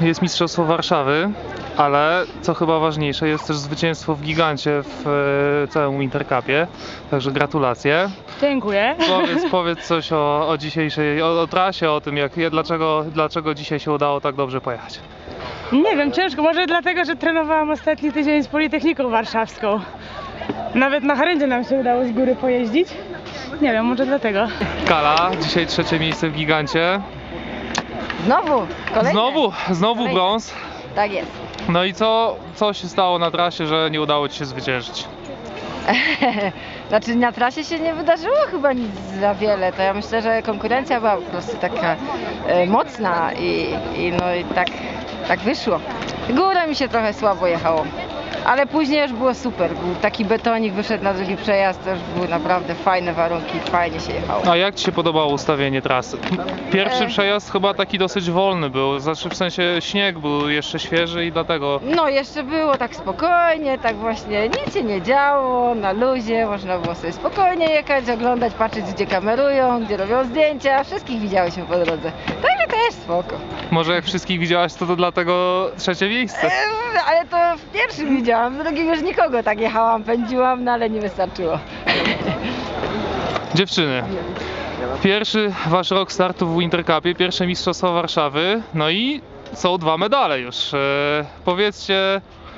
jest Mistrzostwo Warszawy, ale co chyba ważniejsze, jest też zwycięstwo w gigancie w całym Intercupie, także gratulacje. Dziękuję. Powiedz coś o dzisiejszej, o trasie, o tym dlaczego dzisiaj się udało tak dobrze pojechać. Nie wiem, ciężko, może dlatego, że trenowałam ostatni tydzień z Politechniką Warszawską. Nawet na Charyndzie nam się udało z góry pojeździć. Nie wiem, może dlatego. Kala, dzisiaj trzecie miejsce w gigancie. Znowu? Kolejne? Znowu Kolejne. brąz. Tak jest. No i co się stało na trasie, że nie udało ci się zwyciężyć? Znaczy na trasie się nie wydarzyło chyba nic za wiele, to ja myślę, że konkurencja była po prostu taka mocna i tak wyszło. Górę mi się trochę słabo jechało, ale później już było super, był taki betonik, wyszedł na drugi przejazd, to już były naprawdę fajne warunki, fajnie się jechało. A jak ci się podobało ustawienie trasy? Pierwszy przejazd chyba taki dosyć wolny był, znaczy w sensie śnieg był jeszcze świeży i dlatego... No jeszcze było tak spokojnie, tak właśnie nic się nie działo, na luzie, można było sobie spokojnie jechać, oglądać, patrzeć gdzie kamerują, gdzie robią zdjęcia, wszystkich widziałyśmy po drodze, także to jest spoko. Może jak wszystkich widziałaś, to dlatego trzecie miejsce? Ale to w pierwszym widziałam, w drugim już nikogo, tak jechałam, pędziłam, no ale nie wystarczyło. Dziewczyny, pierwszy wasz rok startu w Intercupie, pierwsze Mistrzostwa Warszawy, no i są 2 medale już. Powiedzcie,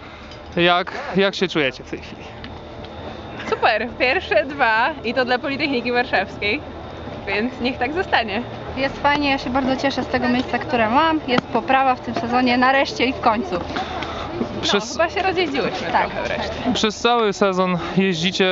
jak się czujecie w tej chwili? Super, pierwsze 2 i to dla Politechniki Warszawskiej, więc niech tak zostanie. Jest fajnie, ja się bardzo cieszę z tego miejsca, które mam. Jest poprawa w tym sezonie, nareszcie i w końcu. No, chyba się rozjeździłyśmy trochę wreszcie. Przez cały sezon jeździcie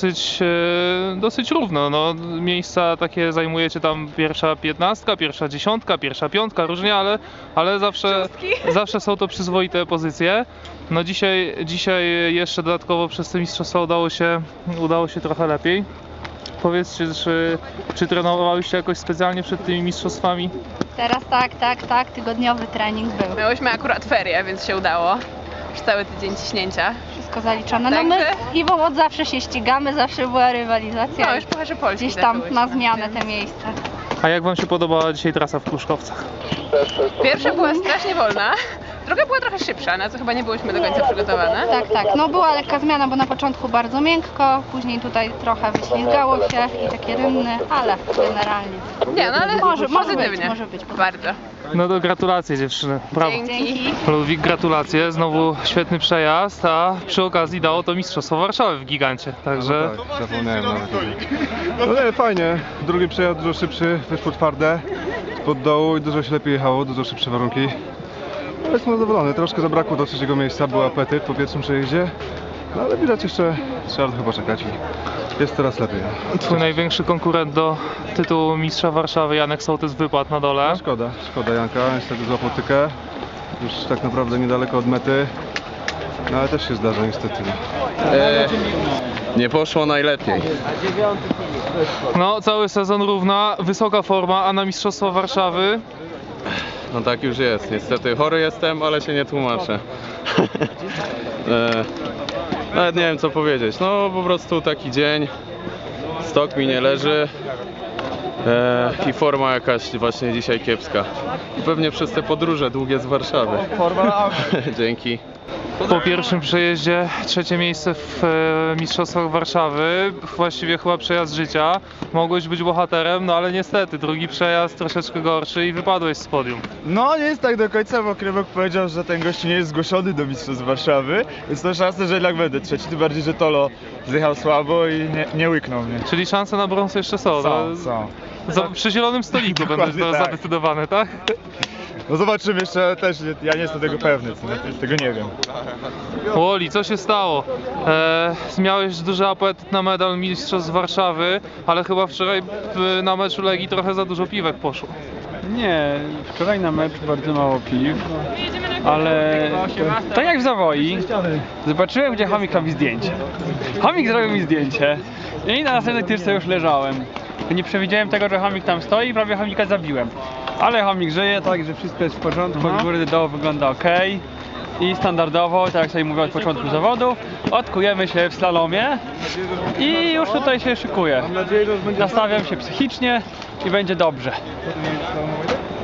dosyć równo. No, miejsca takie zajmujecie tam pierwsza 15, pierwsza 10, pierwsza 5, różnie, ale zawsze są to przyzwoite pozycje. No dzisiaj jeszcze dodatkowo przez te mistrzostwa udało się trochę lepiej. Powiedzcie, czy trenowałyście jakoś specjalnie przed tymi mistrzostwami? Teraz tak, tygodniowy trening był. Miałyśmy akurat ferie, więc się udało. Już cały tydzień ciśnięcia. Wszystko zaliczone. No my z Iwą od zawsze się ścigamy, zawsze była rywalizacja. No już Pucharze Polski Gdzieś tam zaczęłyśmy. na zmianę te miejsca. A jak wam się podobała dzisiaj trasa w Pruszkowcach? Pierwsza była strasznie wolna, druga była trochę szybsza, na co chyba nie byłyśmy do końca przygotowane. Tak, no była lekka zmiana, bo na początku bardzo miękko, później tutaj trochę wyślizgało się i takie rynny, ale generalnie. Nie, no ale Może pozytywnie. być. Bardzo. No to gratulacje dziewczyny, brawo. Dzięki. Ludwik, gratulacje, znowu świetny przejazd, a przy okazji dało to Mistrzostwo Warszawy w gigancie, także... No tak, zapomniałem nawet. No nie, fajnie, drugi przejazd dużo szybszy, wyszło twarde, spod dołu i dużo się lepiej jechało, dużo szybsze warunki. No jestem zadowolony, troszkę zabrakło do trzeciego miejsca, był apetyt po pierwszym przejeździe, no ale widać jeszcze, trzeba chyba czekać i jest teraz lepiej. Twój największy konkurent do tytułu mistrza Warszawy, Janek Sołtys, wypadł na dole. Szkoda Janka, niestety złapał tykę, już tak naprawdę niedaleko od mety, no ale też się zdarza niestety. Nie poszło najlepiej. No, cały sezon równa, wysoka forma, a na Mistrzostwa Warszawy? No tak już jest. Niestety chory jestem, ale się nie tłumaczę. Nawet nie wiem co powiedzieć. No po prostu taki dzień. Stok mi nie leży. I forma jakaś właśnie dzisiaj kiepska. I pewnie przez te podróże długie z Warszawy. Dzięki. Po pierwszym przejeździe trzecie miejsce w Mistrzostwach Warszawy, właściwie chyba przejazd życia. Mogłeś być bohaterem, no ale niestety drugi przejazd troszeczkę gorszy i wypadłeś z podium. No nie jest tak do końca, bo Krywok powiedział, że ten gościu nie jest zgłoszony do Mistrzostw Warszawy, więc to szansa, że jednak będę trzeci, tym bardziej, że Tolo zjechał słabo i nie łyknął mnie. Czyli szanse na brąz jeszcze są. Są. Przy zielonym stoliku będą Dokładnie tak. zadecydowane, tak? No zobaczymy jeszcze też, ja nie jestem tego pewny, tego nie wiem. Woli, co się stało? Miałeś duży apetyt na medal Mistrzostw Warszawy, ale chyba wczoraj na meczu Legii trochę za dużo piwek poszło. Nie, wczoraj na mecz bardzo mało piw, ale tak jak w Zawoi, zobaczyłem gdzie Chomik robi zdjęcie. Chomik zrobił mi zdjęcie i na następnej tyczce już leżałem. Nie przewidziałem tego, że Chomik tam stoi i prawie Chomika zabiłem. Ale Chomik żyje, także wszystko jest w porządku, od góry do dołu wygląda ok. I standardowo, tak jak sobie mówię od początku zawodu, odkujemy się w slalomie i już tutaj się szykuję. Nastawiam się psychicznie i będzie dobrze.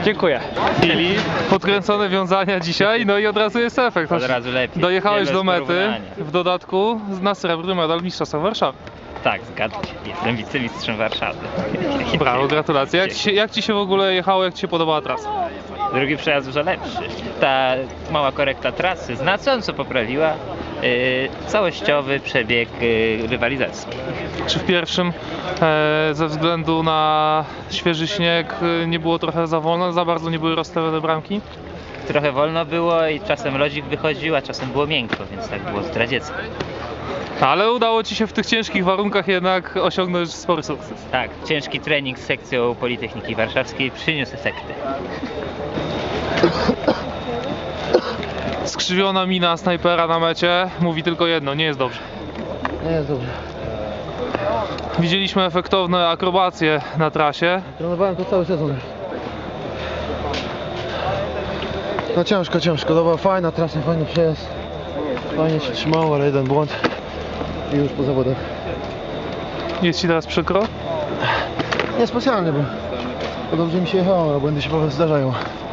Dziękuję. Filip, podkręcone wiązania dzisiaj, no i od razu jest efekt. Od razu lepiej. Dojechałeś Nie do bez mety, porównania. w dodatku na srebrny medal Mistrzostwa Warszawy. Tak, zgadzam się. Jestem wicemistrzem Warszawy. Brawo, gratulacje. Jak ci się w ogóle jechało, jak ci się podobała trasa? Drugi przejazd dużo lepszy. Ta mała korekta trasy znacząco poprawiła całościowy przebieg rywalizacji. Czy w pierwszym ze względu na świeży śnieg nie było trochę za wolno, za bardzo nie były rozstawione bramki? Trochę wolno było i czasem lodzik wychodził, a czasem było miękko, więc tak było zdradziecko. Ale udało ci się w tych ciężkich warunkach jednak osiągnąć spory sukces. Tak, ciężki trening z sekcją Politechniki Warszawskiej przyniósł efekty. Skrzywiona mina snajpera na mecie mówi tylko jedno, nie jest dobrze. Nie jest dobrze. Widzieliśmy efektowne akrobacje na trasie. Trenowałem to cały sezon. No ciężko. To była fajna trasa, fajny przejazd. Fajnie się trzymało, ale jeden błąd i już po zawodach. Jest ci teraz przykro? Nie specjalnie, bo dobrze mi się jechało, a błędy się po prostu zdarzają.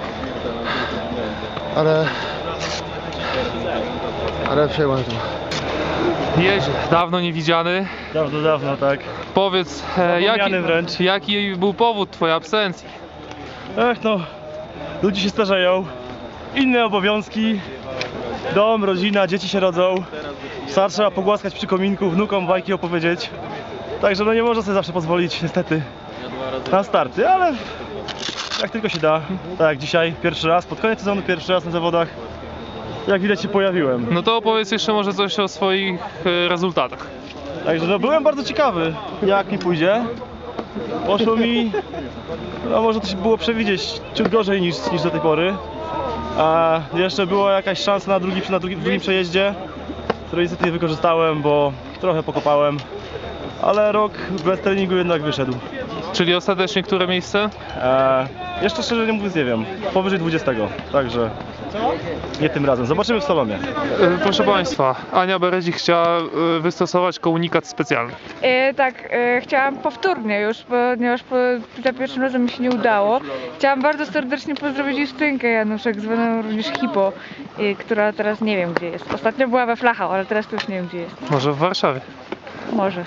Ale przejąłem to. Jeźdź, dawno niewidziany. Dawno, tak. Powiedz, Zapomniany wręcz. jaki był powód twojej absencji? No, ludzie się starzeją, inne obowiązki, dom, rodzina, dzieci się rodzą. Psa trzeba pogłaskać przy kominku, wnukom bajki opowiedzieć. Także no nie można sobie zawsze pozwolić niestety na starty, ale jak tylko się da. Tak jak dzisiaj, pierwszy raz, pod koniec sezonu pierwszy raz na zawodach. Jak widać się pojawiłem. No to opowiedz jeszcze może coś o swoich rezultatach. Także no byłem bardzo ciekawy, jak mi pójdzie. Poszło mi, no może to się było przewidzieć, ciut gorzej niż do tej pory. A jeszcze była jakaś szansa na drugim przejeździe, której niestety nie wykorzystałem, bo trochę pokopałem. Ale rok bez treningu jednak wyszedł. Czyli ostatecznie które miejsce? Jeszcze szczerze mówiąc nie wiem, powyżej 20, także nie tym razem. Zobaczymy w Salonie. Proszę Państwa, Ania Berezik chciała wystosować komunikat specjalny. Chciałam powtórnie już, ponieważ za pierwszym razem mi się nie udało. Chciałam bardzo serdecznie pozdrowić Justynkę Januszek, zwaną również Hipo, która teraz nie wiem gdzie jest. Ostatnio była we Flachau, ale teraz to już nie wiem gdzie jest. Może w Warszawie. Może.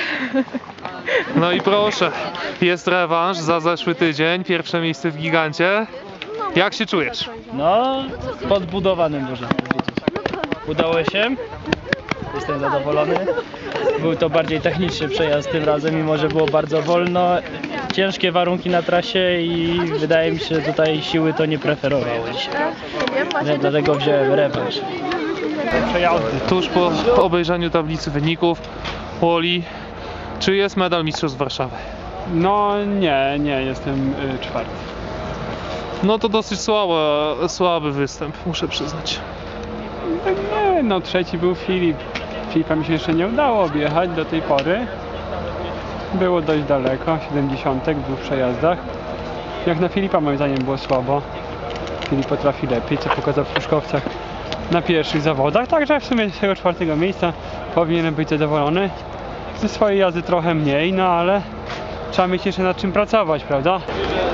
No i proszę, jest rewanż za zeszły tydzień, pierwsze miejsce w Gigancie. Jak się czujesz? No, podbudowanym można powiedzieć. Udało się. Jestem zadowolony. Był to bardziej techniczny przejazd tym razem, mimo że było bardzo wolno. Ciężkie warunki na trasie i wydaje mi się, że tutaj siły to nie preferowały dzisiaj. Dlatego wziąłem rewanż. Tuż po obejrzeniu tablicy wyników, Woli, czy jest medal Mistrzostw Warszawy? No nie, jestem czwarty. No to dosyć słaby występ, muszę przyznać. Nie, no trzeci był Filip. Filipa mi się jeszcze nie udało objechać do tej pory. Było dość daleko, 70 w dwóch przejazdach. Jak na Filipa moim zdaniem było słabo. Filip potrafi lepiej, co pokazał w Pruszkowcach na pierwszych zawodach. Także w sumie z tego czwartego miejsca powinienem być zadowolony. Ze swojej jazdy trochę mniej, no ale trzeba mieć jeszcze nad czym pracować, prawda?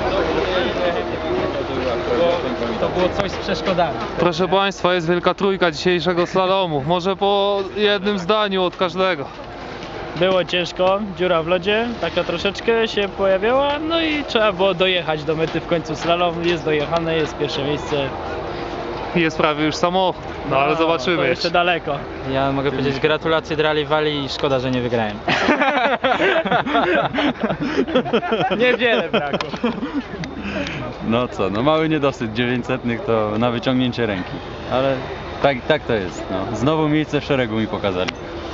To było coś z przeszkodami. Proszę Państwa, jest wielka trójka dzisiejszego slalomu. Może po jednym zdaniu od każdego. Było ciężko, dziura w lodzie, taka troszeczkę się pojawiała, no i trzeba było dojechać do mety w końcu slalom. Jest dojechane, jest pierwsze miejsce. Jest prawie już samochód, no ale zobaczymy. To jeszcze daleko. Ja mogę powiedzieć gratulacje dla rywali i szkoda, że nie wygrałem. Niewiele brakło. No co, no mały niedosyt 900 to na wyciągnięcie ręki. Ale tak to jest. No. Znowu miejsce w szeregu mi pokazali.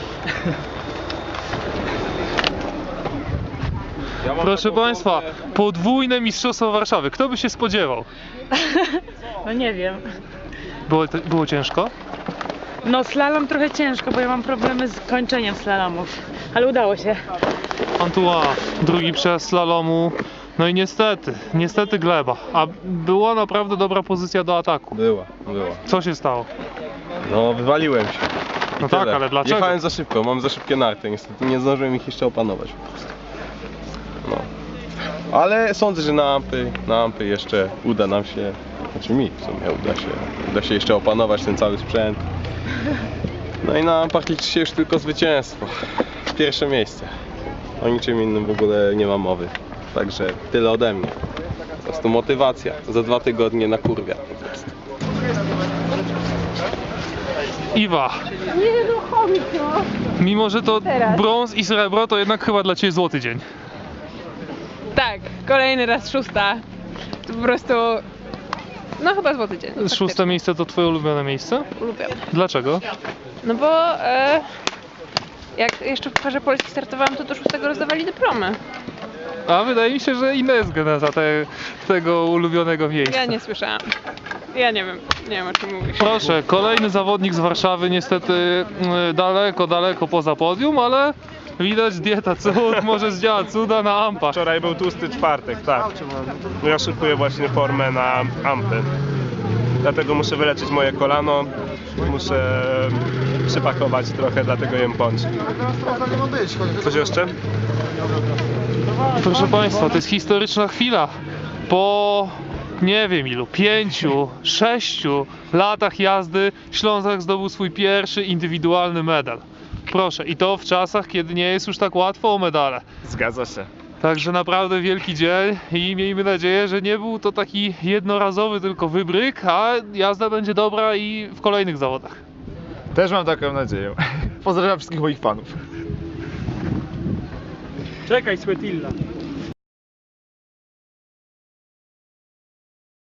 Proszę Państwa, podwójne Mistrzostwo Warszawy. Kto by się spodziewał? No nie wiem. Było ciężko? No slalom trochę ciężko, bo ja mam problemy z kończeniem slalomów. Ale udało się. Antoine, drugi przejazd slalomu. No i niestety gleba. A była naprawdę dobra pozycja do ataku. Była. Co się stało? No, wywaliłem się. No tak, ale dlaczego? Jechałem za szybko, mam za szybkie narty, niestety nie zdążyłem ich jeszcze opanować po prostu. No. Ale sądzę, że na Ampy jeszcze uda nam się, znaczy mi w sumie uda się jeszcze opanować ten cały sprzęt. No i na Ampach liczy się już tylko zwycięstwo. Pierwsze miejsce. O niczym innym w ogóle nie ma mowy. Także tyle ode mnie. Po prostu motywacja. Za 2 tygodnie na kurwia po prostu. Iwa, Nie no, chomik, no. mimo że to Teraz. brąz i srebro, to jednak chyba dla Ciebie złoty dzień. Tak, kolejny raz 6. To po prostu... No chyba złoty dzień. 6. miejsce to Twoje ulubione miejsce? Ulubione. Dlaczego? No bo jak jeszcze w Parze Polski startowałam, to do 6 rozdawali dyplomy. A wydaje mi się, że inna jest geneza tego ulubionego miejsca. Ja nie słyszałam. Ja nie wiem o czym mówisz. Proszę, kolejny zawodnik z Warszawy, niestety daleko poza podium, ale widać dieta cud, może zdziała cuda na Ampach. Wczoraj był tłusty czwartek, tak. No ja szykuję właśnie formę na Ampy. Dlatego muszę wyleczyć moje kolano, muszę przypakować trochę, dlatego jem pączki. Coś jeszcze? Proszę Państwa, to jest historyczna chwila. Po nie wiem ilu, 5, 6 latach jazdy Ślązak zdobył swój pierwszy indywidualny medal. Proszę, i to w czasach, kiedy nie jest już tak łatwo o medale. Zgadza się. Także naprawdę wielki dzień i miejmy nadzieję, że nie był to taki jednorazowy tylko wybryk, a jazda będzie dobra i w kolejnych zawodach. Też mam taką nadzieję. Pozdrawiam wszystkich moich fanów. Czekaj, Sweetilla.